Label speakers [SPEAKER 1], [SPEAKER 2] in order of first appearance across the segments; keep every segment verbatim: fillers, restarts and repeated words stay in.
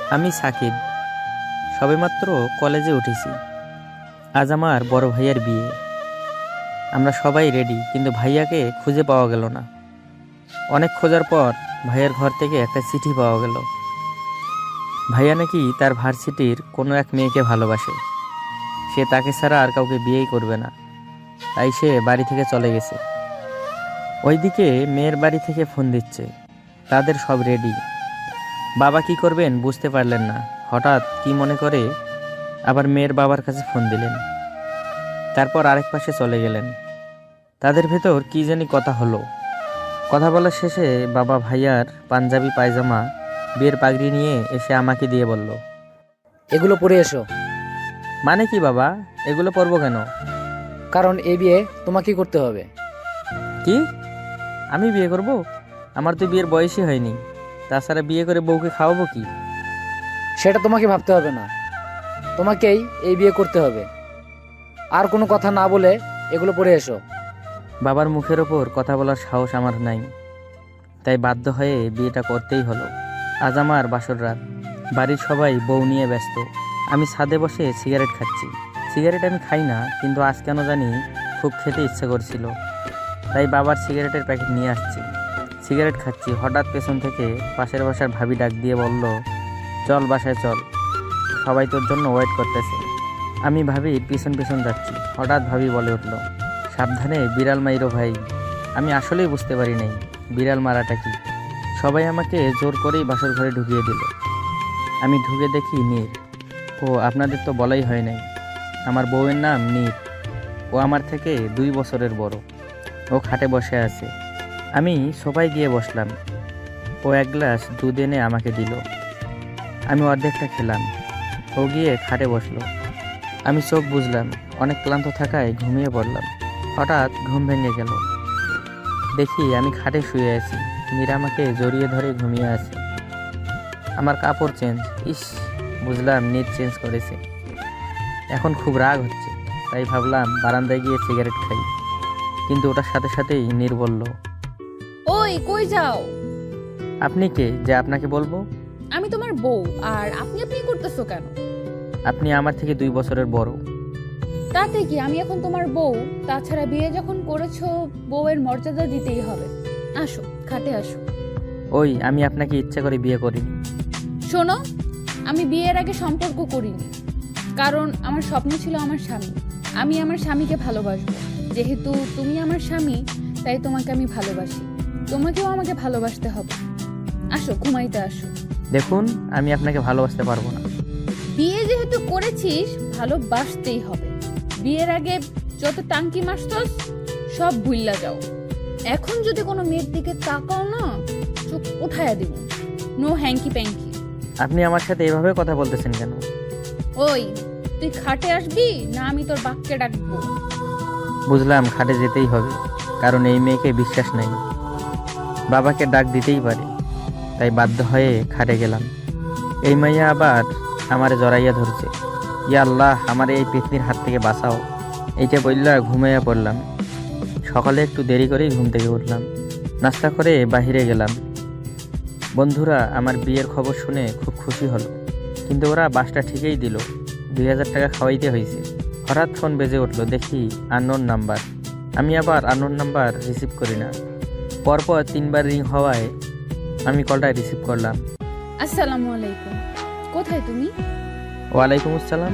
[SPEAKER 1] আমি সাকিব, সবেমাত্র কলেজে উঠেছি। আজ আমার বড় ভাইয়ার বিয়ে। আমরা সবাই রেডি, কিন্তু ভাইয়াকে খুঁজে পাওয়া গেল না। অনেক খোঁজার পর ভাইয়ার ঘর থেকে একটা চিঠি পাওয়া গেল। ভাইয়া নাকি তার ভার্সিটির কোনো এক মেয়েকে ভালোবাসে। সে তাকে ছাড়া আর কাউকে বিয়েই করবে না, তাই সে বাড়ি থেকে চলে গেছে। ওইদিকে মেয়ের বাড়ি থেকে ফোন দিচ্ছে, তাদের সব রেডি। বাবা কি করবেন বুঝতে পারলেন না। হঠাৎ কি মনে করে আবার মেয়ের বাবার কাছে ফোন দিলেন। তারপর আরেক পাশে চলে গেলেন। তাদের ভেতর কি জানি কথা হলো। কথা বলার শেষে বাবা ভাইয়ার পাঞ্জাবি পায়জামা বিয়ের পাগড়ি নিয়ে এসে আমাকে দিয়ে বলল,
[SPEAKER 2] এগুলো পরে এসো।
[SPEAKER 1] মানে কি বাবা, এগুলো পরবো কেন?
[SPEAKER 2] কারণ এই বিয়ে তোমাকেই করতে হবে।
[SPEAKER 1] কি, আমি বিয়ে করব? আমার তো বিয়ের বয়সই হয়নি। তাছাড়া বিয়ে করে বউকে খাওয়াবো কি?
[SPEAKER 2] সেটা তোমাকে ভাবতে হবে না, তোমাকেই এই বিয়ে করতে হবে। আর কোনো কথা না বলে এগুলো পরে এসো।
[SPEAKER 1] বাবার মুখের ওপর কথা বলার সাহস আমার নাই, তাই বাধ্য হয়ে বিয়েটা করতেই হলো। আজ আমার বাসর রাত। বাড়ির সবাই বউ নিয়ে ব্যস্ত। আমি ছাদে বসে সিগারেট খাচ্ছি। সিগারেট আমি খাই না, কিন্তু আজ কেন জানি খুব খেতে ইচ্ছে করছিল, তাই বাবার সিগারেটের প্যাকেট নিয়ে আসছি। সিগারেট খাচ্ছি, হঠাৎ পেছন থেকে পাশের বাসার ভাবি ডাক দিয়ে বলল, চল বাসায় চল, সবাই তোর জন্য ওয়েট করতেছে। আমি ভাবির পিছন পিছন যাচ্ছি। হঠাৎ ভাবি বলে উঠল, সাবধানে বিড়াল মাইরো ভাই। আমি আসলেই বুঝতে পারি নাই বিড়াল মারাটা কি। সবাই আমাকে জোর করেই বাসর ঘরে ঢুকিয়ে দিল। আমি ঢুকে দেখি নীর। ও, আপনাদের তো বলাই হয় নাই, আমার বউয়ের নাম নীর। ও আমার থেকে দুই বছরের বড়। ও খাটে বসে আছে। আমি সোফায় গিয়ে বসলাম। ও এক গ্লাস দুধ এনে আমাকে দিল। আমি অর্ধেকটা খেলাম। ও গিয়ে খাটে বসলো। আমি চোখ বুঝলাম, অনেক ক্লান্ত থাকায় ঘুমিয়ে পড়লাম। হঠাৎ ঘুম ভেঙে গেল। দেখি আমি খাটে শুয়ে আছি, মীরা আমাকে জড়িয়ে ধরে ঘুমিয়ে আছে। আমার কাপড় চেঞ্জ। ইস, বুঝলাম নীর চেঞ্জ করেছে। এখন খুব রাগ হচ্ছে, তাই ভাবলাম বারান্দায় গিয়ে সিগারেট খাই। কিন্তু ওটার সাথে সাথেই নীর বলল,
[SPEAKER 3] ওই কই যাও?
[SPEAKER 1] আপনি কে যে আপনাকে বলবো?
[SPEAKER 3] আমি তোমার বউ, আর আপনি আপনি করতেছো কেন?
[SPEAKER 1] আপনি আমার থেকে দুই বছরের বড়।
[SPEAKER 3] তাতে কি, আমি এখন তোমার বউ। তাছাড়া বিয়ে যখন করেছো, বউয়ের মর্যাদা দিতেই হবে। আসো, খাটে আসো।
[SPEAKER 1] ওই, আমি আপনাকে ইচ্ছা করে বিয়ে করিনি।
[SPEAKER 3] শোনো, আমি বিয়ের আগে সম্পর্ক করিনি, কারণ আমার স্বপ্ন ছিল আমার স্বামী। আমি আমার স্বামীকে ভালোবাসবো। যেহেতু তুমি আমার স্বামী, তাই তোমাকে আমি ভালোবাসি। তোমাকেও আমাকে ভালোবাসতে হবে। আসো, ঘুমাইতে আসো।
[SPEAKER 1] দেখুন, আমি আপনাকে ভালোবাসতে পারবো না।
[SPEAKER 3] বিয়ে যেহেতু করেছিস, ভালোবাসতেই হবে। বিয়ের আগে যত টাঙ্কি মারছস সব ভুইল্লা যাও। এখন যদি কোনো মেয়ের দিকে তাকাও না, চোখ উঠায়া দিব। No hanky panky.
[SPEAKER 1] আপনি আমার সাথে এভাবে কথা বলতেছেন কেন?
[SPEAKER 3] ওই, তুই খাটে আসবি না আমি তোর বাক্যে ডাকবো?
[SPEAKER 1] বুঝলাম খাটে যেতেই হবে, কারণ এই মেয়েকে বিশ্বাস নাই। বাবাকে ডাক দিতেই পারে, তাই বাধ্য হয়ে খাটে গেলাম। এই মাইয়া আবার আমারে জড়াইয়া ধরছে। ইয়া আল্লাহ, আমার এই পেতনির হাত থেকে বাঁচাও। এইটা বললা ঘুমাইয়া পড়লাম। সকালে একটু দেরি করেই ঘুম থেকে উঠলাম। নাস্তা করে বাহিরে গেলাম। বন্ধুরা আমার বিয়ের খবর শুনে খুব খুশি হলো, কিন্তু ওরা বাসটা ঠিকই দিল। দুই হাজার টাকা খাওয়াইতে হয়েছে। হঠাৎ ফোন বেজে উঠলো, দেখি আননোন নাম্বার। আমি আবার আননোন নাম্বার রিসিভ করি না। পরপর তিনবার রিং হওয়ায় আমি কলটা রিসিভ করলাম।
[SPEAKER 3] আসসালামু আলাইকুম। কোথায় তুমি?
[SPEAKER 1] ওয়ালাইকুম আসসালাম।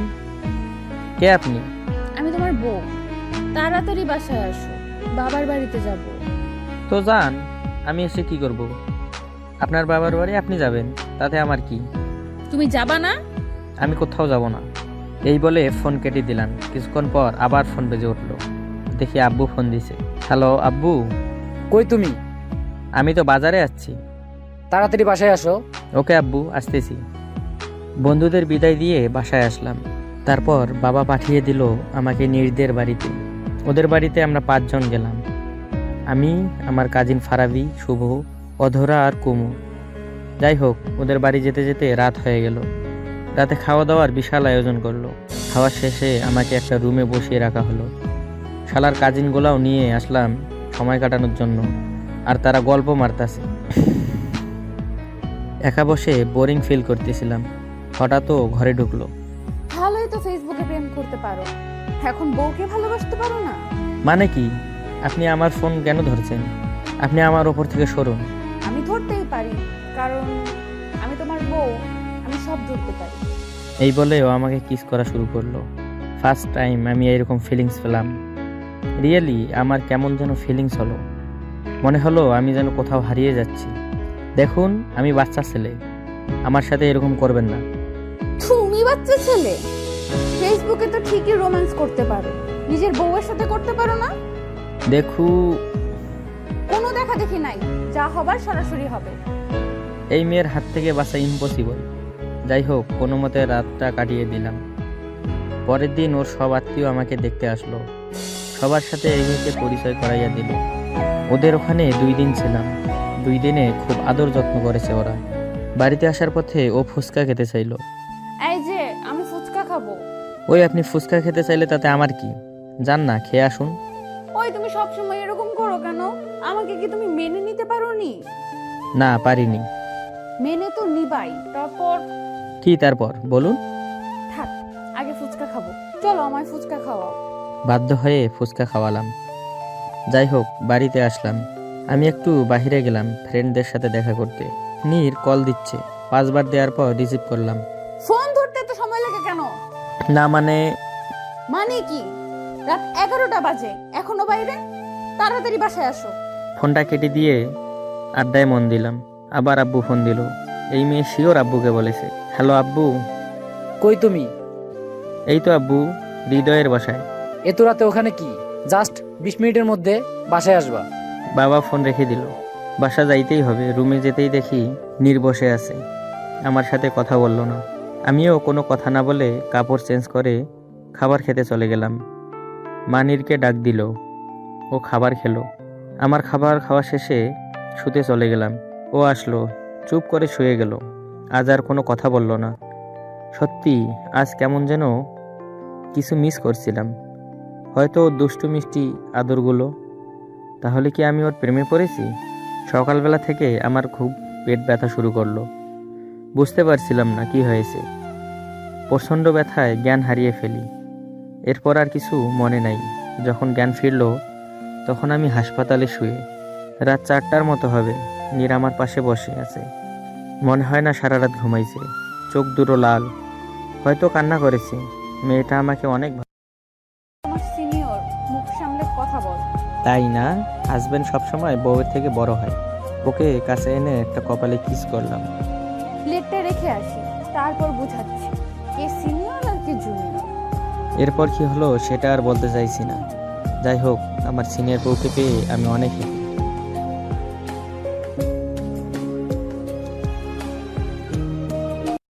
[SPEAKER 1] কে আপনি?
[SPEAKER 3] আমি তোমার বউ। তাড়াতাড়ি বাসায় আসো, বাবার বাড়িতে যাব।
[SPEAKER 1] তো যান, আমি এসে কি করব? আপনার বাবার বাড়ি আপনি যাবেন, তাতে আমার কি?
[SPEAKER 3] তুমি যাবা না?
[SPEAKER 1] আমি কোথাও যাব না। এই বলে ফোন কেটে দিলাম। কিছুক্ষণ পর আবার ফোন বেজে উঠলো। দেখি আব্বু ফোন দিছে। হ্যালো আব্বু।
[SPEAKER 2] কই তুমি?
[SPEAKER 1] আমি তো বাজারে যাচ্ছি।
[SPEAKER 2] তাড়াতাড়ি বাসায় আসো।
[SPEAKER 1] ওকে আব্বু, আসতেছি। বন্ধুদের বিদায় দিয়ে বাসায় আসলাম। তারপর বাবা পাঠিয়ে দিল আমাকে নীরদের বাড়িতে। ওদের বাড়িতে আমরা পাঁচজন গেলাম। আমি, আমার কাজিন ফারাবি, শুভ, অধরা আর কুমু। যাই হোক, ওদের বাড়ি যেতে যেতে রাত হয়ে গেল। রাতে খাওয়া দাওয়ার বিশাল আয়োজন করলো। খাওয়া শেষে আমাকে একটা রুমে বসিয়ে রাখা হলো। শালার কাজিনগুলাও নিয়ে আসলাম সময় কাটানোর জন্য, আর তারা গল্প মারতাছে। একা বসে বোরিং ফিল করতেছিলাম। হঠাৎ ও ঘরে ঢুকলো।
[SPEAKER 3] ভালোই তো ফেসবুকে প্রেম করতে পারো, এখন বউকে ভালোবাসতে পারো না?
[SPEAKER 1] মানে কি? আপনি আমার ফোন কেন ধরছেন? আপনি আমার ওপর থেকে সরুন।
[SPEAKER 3] আমি ধরতেই পারি, কারণ আমি তোমার বউ, আমি সব ধরতে পারি।
[SPEAKER 1] এই বলে ও আমাকে কিস করা শুরু করলো। ফার্স্ট টাইম আমি এরকম ফিলিংস পেলাম। রিয়েলি আমার কেমন যেন ফিলিংস হলো, মনে হলো আমি যেন কোথাও হারিয়ে যাচ্ছি। দেখুন, আমি বাচ্চা ছেলে, আমার সাথে এরকম করবেন না।
[SPEAKER 3] তুমি বাচ্চা ছেলে? ফেসবুকে তো ঠিকই রোম্যান্স করতে পারো, নিজের বউয়ের সাথে করতে পারো না?
[SPEAKER 1] দেখু,
[SPEAKER 3] কোনো দেখা দেখি নাই, যা হবার সরাসরি হবে।
[SPEAKER 1] এই মেয়ের হাত থেকে বাঁচা ইম্পসিবল। যাই হোক, কোনো মতে রাতটা কাটিয়ে দিলাম। পরের দিন ওর সব আত্মীয় আমাকে দেখতে আসলো, সবার সাথে এগিয়ে পরিচয় করাইয়া দিল। ওদের ওখানে দুই দিন ছিলাম। দুই দিনে খুব আদর যত্ন করেছে ওরা। বাড়িতে আসার পথে ও ফুচকা খেতে চাইলো।
[SPEAKER 3] এই যে আমি ফুচকা খাবো।
[SPEAKER 1] ওই, আপনি ফুচকা খেতে চাইলে তাতে আমার কি? যান না, খেয়ে আসুন।
[SPEAKER 3] ওই, তুমি সবসময় এরকম করো কেন? আমাকে কি তুমি মেনে নিতে পারোনি?
[SPEAKER 1] না, পারিনি।
[SPEAKER 3] মেনে তো নিবাই, তারপর
[SPEAKER 1] কি তারপর বলুন?
[SPEAKER 3] থাক, আগে ফুচকা খাবো। চলো আমায় ফুচকা খাওয়াও।
[SPEAKER 1] বাধ্য হয়ে ফুচকা খাওয়ালাম। যাই হোক, বাড়িতে আসলাম। আমি একটু বাইরে গেলাম ফ্রেন্ডদের সাথে দেখা করতে। নীর কল দিচ্ছে, পাঁচবার দেওয়ার পর রিসিভ করলাম।
[SPEAKER 3] ফোন ধরতে তো সময় লাগে কেন?
[SPEAKER 1] না মানে
[SPEAKER 3] মানে কি? রাত এগারোটা বাজে, এখনো বাইরে? তাড়াতাড়ি বাসায় আসো।
[SPEAKER 1] ফোনটা কেটে দিয়ে আড্ডায় মন দিলাম। আবার আব্বু ফোন দিল। এই মেয়ে শিওর আব্বুকে বলেছে। হ্যালো আব্বু।
[SPEAKER 2] কই তুমি?
[SPEAKER 1] এই তো আব্বু, হৃদয়ের বাসায়।
[SPEAKER 2] এত রাতে ওখানে কি? জাস্ট বিশ মিনিটের মধ্যে বাসায় আসবা।
[SPEAKER 1] বাবা ফোন রেখে দিল। বাসা যাইতেই হবে। রুমে যেতেই দেখি নীর বসে আছে, আমার সাথে কথা বলল না। আমিও কোনো কথা না বলে কাপড় চেঞ্জ করে খাবার খেতে চলে গেলাম। মা নীরকে ডাক দিল, ও খাবার খেলো। আমার খাবার খাওয়া শেষে শুতে চলে গেলাম। ও আসলো, চুপ করে শুয়ে গেল। আজ আর কোনো কথা বলল না। সত্যি আজ কেমন যেন কিছু মিস করছিলাম। হয়তো ওর দুষ্টু মিষ্টি আদরগুলো। তাহলে কি আমি ওর প্রেমে পড়েছি? সকালবেলা থেকে আমার খুব পেট ব্যথা শুরু করলো। বুঝতে পারছিলাম না কি হয়েছে। প্রচণ্ড ব্যথায় জ্ঞান হারিয়ে ফেলি। এরপর আর কিছু মনে নাই। যখন জ্ঞান ফিরল তখন আমি হাসপাতালে শুয়ে। রাত চারটার মতো হবে। নীর আমার পাশে বসে আছে। মনে হয় না সারা রাত ঘুমাইছে। চোখ দুটো লাল, হয়তো কান্না করেছে। মেয়েটা আমাকে অনেক ভালো।
[SPEAKER 3] তোমার সিনিয়র, মুখ সামলে কথা বল।
[SPEAKER 1] তাই না? হাজবেন্ড সবসময় বউয়ের থেকে বড় হয়। ওকে কাছে এনে একটা কপালে কিস করলাম।
[SPEAKER 3] প্লেটটা রেখে আসি, তারপর বুঝাচ্ছি কে সিনিয়র আর কে জুনিয়র।
[SPEAKER 1] এরপর কি হলো সেটা আর বলতে চাইছি না। যাই হোক, আমার সিনিয়র বউকে পেয়ে আমি অনেক হ্যাপি।